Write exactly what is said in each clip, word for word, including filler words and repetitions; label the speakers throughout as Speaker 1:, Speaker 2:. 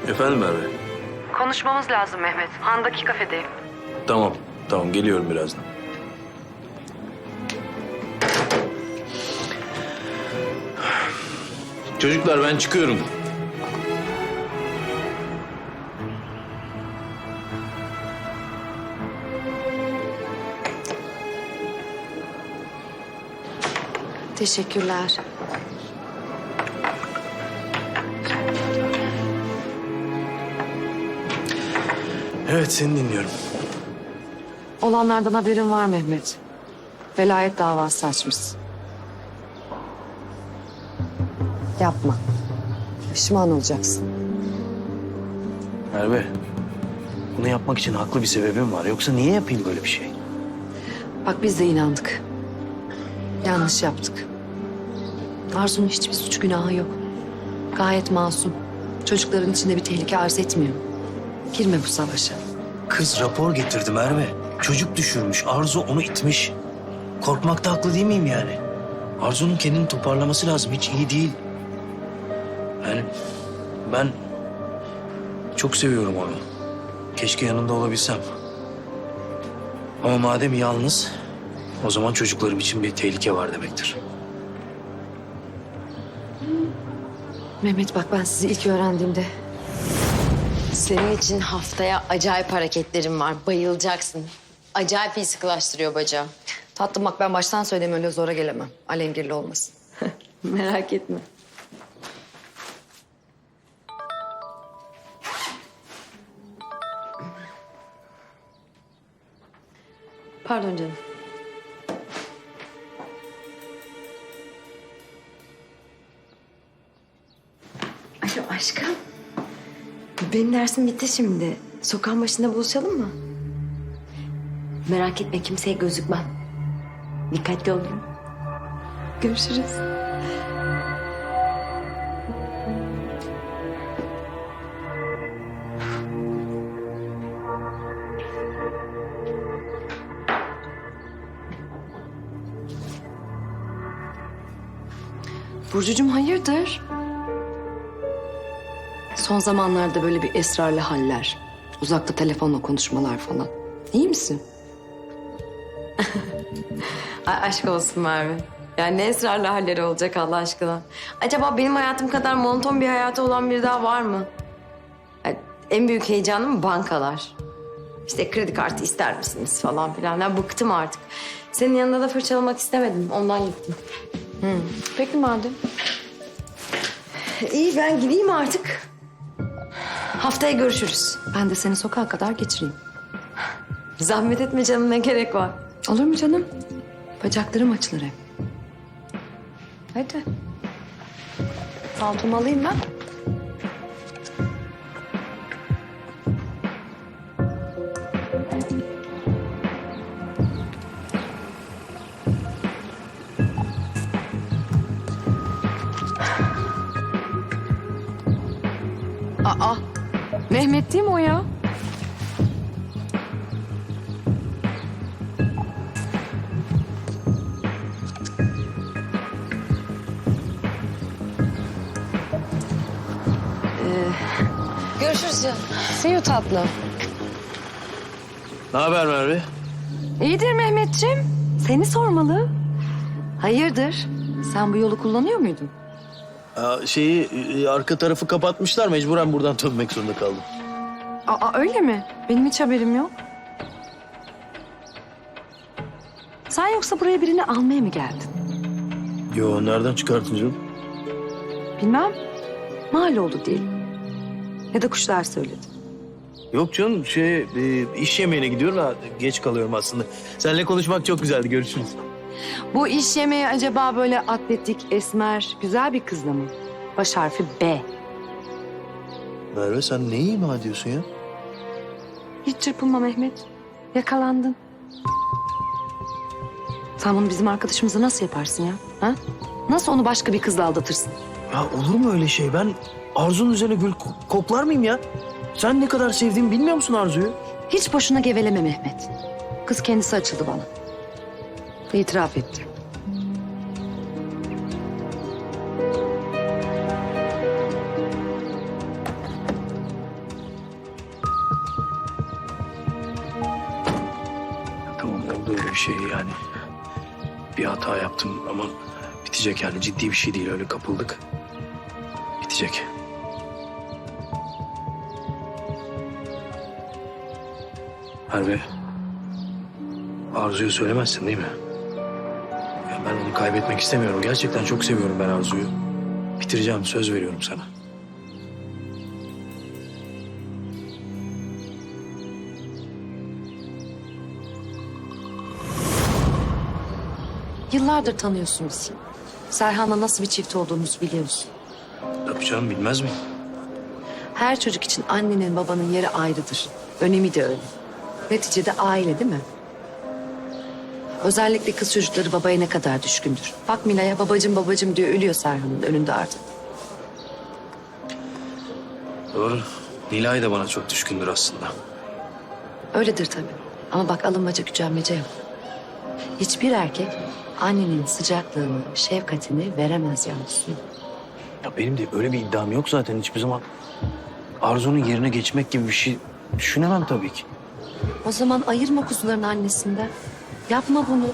Speaker 1: Efendim Merve?
Speaker 2: Konuşmamız lazım Mehmet. Han'daki kafedeyim.
Speaker 1: Tamam, tamam geliyorum birazdan. Çocuklar ben çıkıyorum.
Speaker 3: Teşekkürler.
Speaker 1: Evet seni dinliyorum.
Speaker 3: Olanlardan haberin var Mehmet. Velayet davası açmışsın. Yapma. Pişman olacaksın.
Speaker 4: Merve, bunu yapmak için haklı bir sebebim var. Yoksa niye yapayım böyle bir şey?
Speaker 3: Bak biz de inandık. Yanlış yaptık. Arzu'nun hiçbir suç günahı yok. Gayet masum. Çocukların içinde bir tehlike arz etmiyor. Girme bu savaşa.
Speaker 4: Kız rapor getirdi Merve. Çocuk düşürmüş. Arzu onu itmiş. Korkmakta haklı değil miyim yani? Arzu'nun kendini toparlaması lazım. Hiç iyi değil. Yani ben çok seviyorum onu. Keşke yanında olabilsem. Ama madem yalnız, o zaman çocuklarım için bir tehlike var demektir.
Speaker 3: Mehmet bak ben sizi ilk öğrendiğimde
Speaker 5: Senin için haftaya acayip hareketlerim var. Bayılacaksın. Acayip iyi sıkılaştırıyor bacağı.
Speaker 3: tatlım bak ben baştan söyleyeyim öyle zora gelemem. Alengirli olmasın.
Speaker 5: Merak etme.
Speaker 3: Pardon canım.
Speaker 5: Alo aşkım. Benim dersim bitti şimdi. Sokağın başında buluşalım mı? Merak etme kimseye gözükmem. Dikkatli olun. Görüşürüz.
Speaker 3: Burcucuğum hayırdır? Son zamanlarda böyle bir esrarlı haller. Uzakta telefonla konuşmalar falan. İyi misin?
Speaker 5: Ay, aşk olsun Merve. Yani ne esrarlı halleri olacak Allah aşkına. Acaba benim hayatım kadar monoton bir hayatı olan biri daha var mı? Ay, en büyük heyecanım bankalar. İşte kredi kartı ister misiniz falan filan. Ya bıktım artık. Senin yanında da fırçalamak istemedim. Ondan gittim.
Speaker 3: Peki madem.
Speaker 5: İyi ben gideyim artık. Haftaya görüşürüz.
Speaker 3: Ben de seni sokağa kadar geçireyim.
Speaker 5: Zahmet etme canım ne gerek var.
Speaker 3: Olur mu canım? Bacaklarım açılır hep. Hadi. Paltomu alayım ben. Aa, Mehmet değil mi o ya?
Speaker 5: Görüşürüz canım.
Speaker 3: See you tatlım.
Speaker 4: Ne haber Merve?
Speaker 3: İyidir Mehmetciğim. Seni sormalı. Hayırdır? Sen bu yolu kullanıyor muydun?
Speaker 4: Aa, şeyi e, arka tarafı kapatmışlar. Mecburen buradan dönmek zorunda kaldım.
Speaker 3: Aa öyle mi? Benim hiç haberim yok. Sen yoksa buraya birini almaya mı geldin?
Speaker 4: Yo nereden çıkartın canım?
Speaker 3: Bilmem. Mal oldu diyelim. Ya da kuşlar söyledi.
Speaker 4: Yok canım şey e, iş yemeğine gidiyorum da geç kalıyorum aslında. Seninle konuşmak çok güzeldi. Görüşürüz.
Speaker 3: Bu iş yemeği acaba böyle atletik, esmer, güzel bir kızla mı? Baş harfi B.
Speaker 4: Merve sen neyi ima ediyorsun ya?
Speaker 3: Hiç çırpınma Mehmet. Yakalandın. Sen bunu bizim arkadaşımıza nasıl yaparsın ya? Ha? Nasıl onu başka bir kızla aldatırsın?
Speaker 4: Ya olur mu öyle şey? Ben Arzu'nun üzerine gül ko- koklar mıyım ya? Sen ne kadar sevdiğimi bilmiyor musun Arzu'yu?
Speaker 3: Hiç boşuna geveleme Mehmet. Kız kendisi açıldı bana. İtiraf etti.
Speaker 4: şey yani. Bir hata yaptım ama bitecek yani. Ciddi bir şey değil, öyle kapıldık. Bitecek. Merve, Arzu'yu söylemezsin değil mi? Ya ben onu kaybetmek istemiyorum. Gerçekten çok seviyorum ben Arzu'yu. Bitireceğim, söz veriyorum sana.
Speaker 3: Yıllardır tanıyorsun bizi. Serhan'la nasıl bir çift olduğumuzu biliyorsun.
Speaker 4: Tabii canım, bilmez miyim?
Speaker 3: Her çocuk için annenin babanın yeri ayrıdır. Önemi de öyle. Neticede aile değil mi? Özellikle kız çocukları babaya ne kadar düşkündür. Bak Mila'ya babacım babacım diyor, ölüyor Serhan'ın önünde artık.
Speaker 4: Doğru. Nilay da bana çok düşkündür aslında.
Speaker 3: Öyledir tabii. Ama bak alınmaca gücenmece yok. Hiçbir erkek annenin sıcaklığını, şefkatini veremez yalnız.
Speaker 4: Ya benim de öyle bir iddiam yok zaten hiçbir zaman. Arzu'nun yerine geçmek gibi bir şey düşünemem tabii ki.
Speaker 3: O zaman ayırma kuzuların annesinden. Yapma bunu.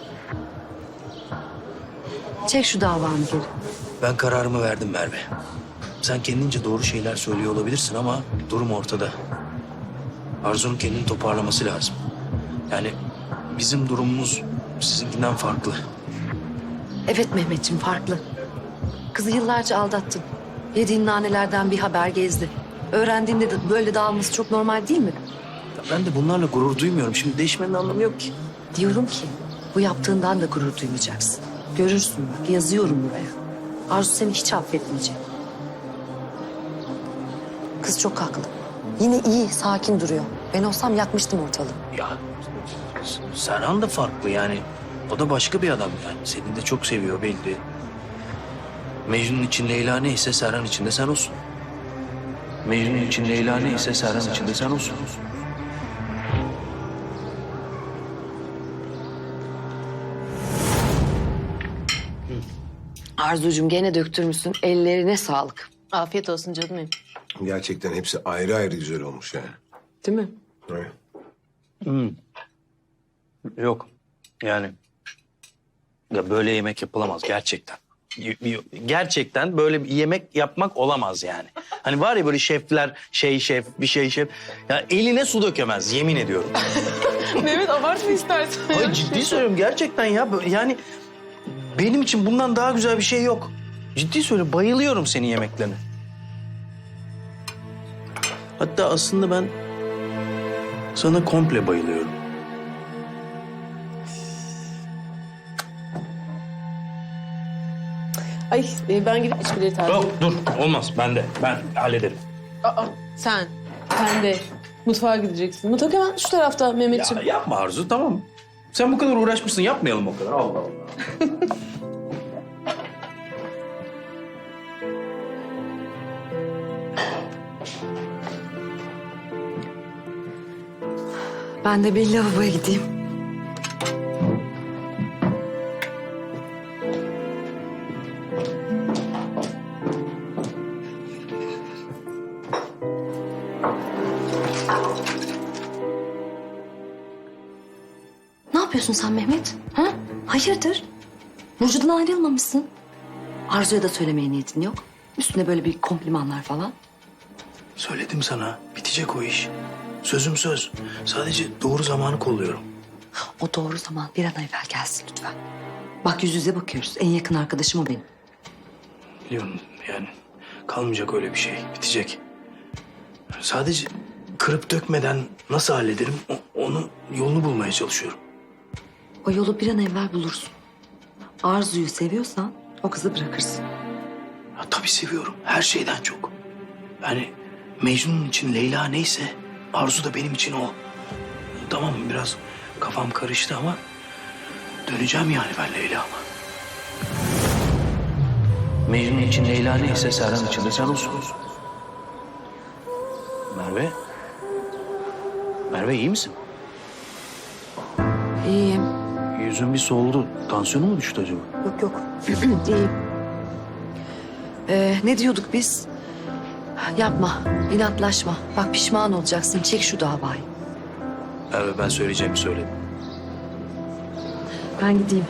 Speaker 3: Çek şu davanı geri.
Speaker 4: Ben kararımı verdim Merve. Sen kendince doğru şeyler söylüyor olabilirsin ama durum ortada. Arzu'nun kendini toparlaması lazım. Yani bizim durumumuz sizinkinden farklı.
Speaker 3: Evet Mehmetciğim, farklı. Kızı yıllarca aldattın. Yediğin nanelerden bir haber gezdi. Öğrendiğinde de böyle dağılması çok normal değil mi?
Speaker 4: Ya ben de bunlarla gurur duymuyorum. Şimdi değişmenin anlamı yok ki.
Speaker 3: Diyorum ki bu yaptığından da gurur duymayacaksın. Görürsün bak, yazıyorum buraya. Arzu seni hiç affetmeyecek. Kız çok haklı. Yine iyi, sakin duruyor. Ben olsam yakmıştım ortalığı.
Speaker 4: Ya Serhan da farklı yani. O da başka bir adam yani. Seni de çok seviyor belli. Mecnun için Leyla neyse Serhan için de sen olsun. Mecnun için Leyla neyse Serhan için de sen olsun.
Speaker 3: Arzucuğum gene döktürmüşsün. Ellerine sağlık.
Speaker 6: Afiyet olsun canım benim.
Speaker 7: Gerçekten hepsi ayrı ayrı güzel olmuş yani.
Speaker 6: Değil mi?
Speaker 7: Evet.
Speaker 4: Yok yani. Ya böyle yemek yapılamaz gerçekten. Y- y- Gerçekten böyle bir yemek yapmak olamaz yani. Hani var ya böyle şefler, şey şef, bir şey şef. Ya eline su dökemez yemin ediyorum.
Speaker 6: Mehmet abartma istersen.
Speaker 4: Hayır ciddi söylüyorum gerçekten ya. Böyle yani benim için bundan daha güzel bir şey yok. Ciddi söylüyorum, bayılıyorum senin yemeklerine. Hatta aslında ben sana komple bayılıyorum.
Speaker 6: Ay e, ben gidip içkileri taze.
Speaker 4: Yok dur olmaz ben de ben hallederim.
Speaker 6: Aa, sen. Sen de mutfağa gideceksin. Mutfak hemen şu tarafta
Speaker 4: Ya
Speaker 6: Mehmetciğim.
Speaker 4: yapma Arzu tamam. Sen bu kadar uğraşmışsın yapmayalım o kadar. Allah Allah.
Speaker 3: Ben de bir lavaboya gideyim. Ne yapıyorsun sen Mehmet? Ha? Hayırdır? Burcu'dan ayrılmamışsın. Arzu'ya da söylemeye niyetin yok. Üstüne böyle bir komplimanlar falan.
Speaker 4: Söyledim sana bitecek o iş. Sözüm söz. Sadece doğru zamanı kolluyorum.
Speaker 3: O doğru zaman bir an evvel gelsin lütfen. Bak yüz yüze bakıyoruz. En yakın arkadaşım o benim.
Speaker 4: Biliyorum yani kalmayacak öyle bir şey. Bitecek. Sadece kırıp dökmeden nasıl hallederim o- onu yolunu bulmaya çalışıyorum.
Speaker 3: O yolu bir an evvel bulursun. Arzu'yu seviyorsan o kızı bırakırsın.
Speaker 4: Ya, tabii seviyorum her şeyden çok. Yani Mecnun için Leyla neyse Arzu da benim için o. Tamam biraz kafam karıştı ama döneceğim yani ben Leyla'ma. Mecnun için Leyla neyse Serhan için de sen olsun. Merve. Merve iyi misin?
Speaker 3: İyiyim.
Speaker 4: Yüzün bir soldu. Tansiyonu mu düştü acaba?
Speaker 3: Yok yok. İyiyim. Ee, ne diyorduk biz? Yapma, inatlaşma. Bak pişman olacaksın. Çek şu davayı.
Speaker 4: Evet ben söyleyeceğimi söyledim.
Speaker 3: Ben gideyim.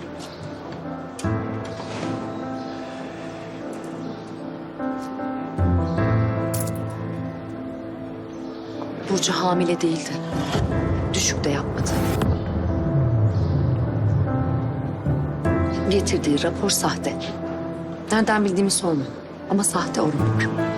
Speaker 3: Burcu hamile değildi. Düşük de yapmadı. Getirdiği rapor sahte. Nereden bildiğimi sorma. Ama sahte o rapor.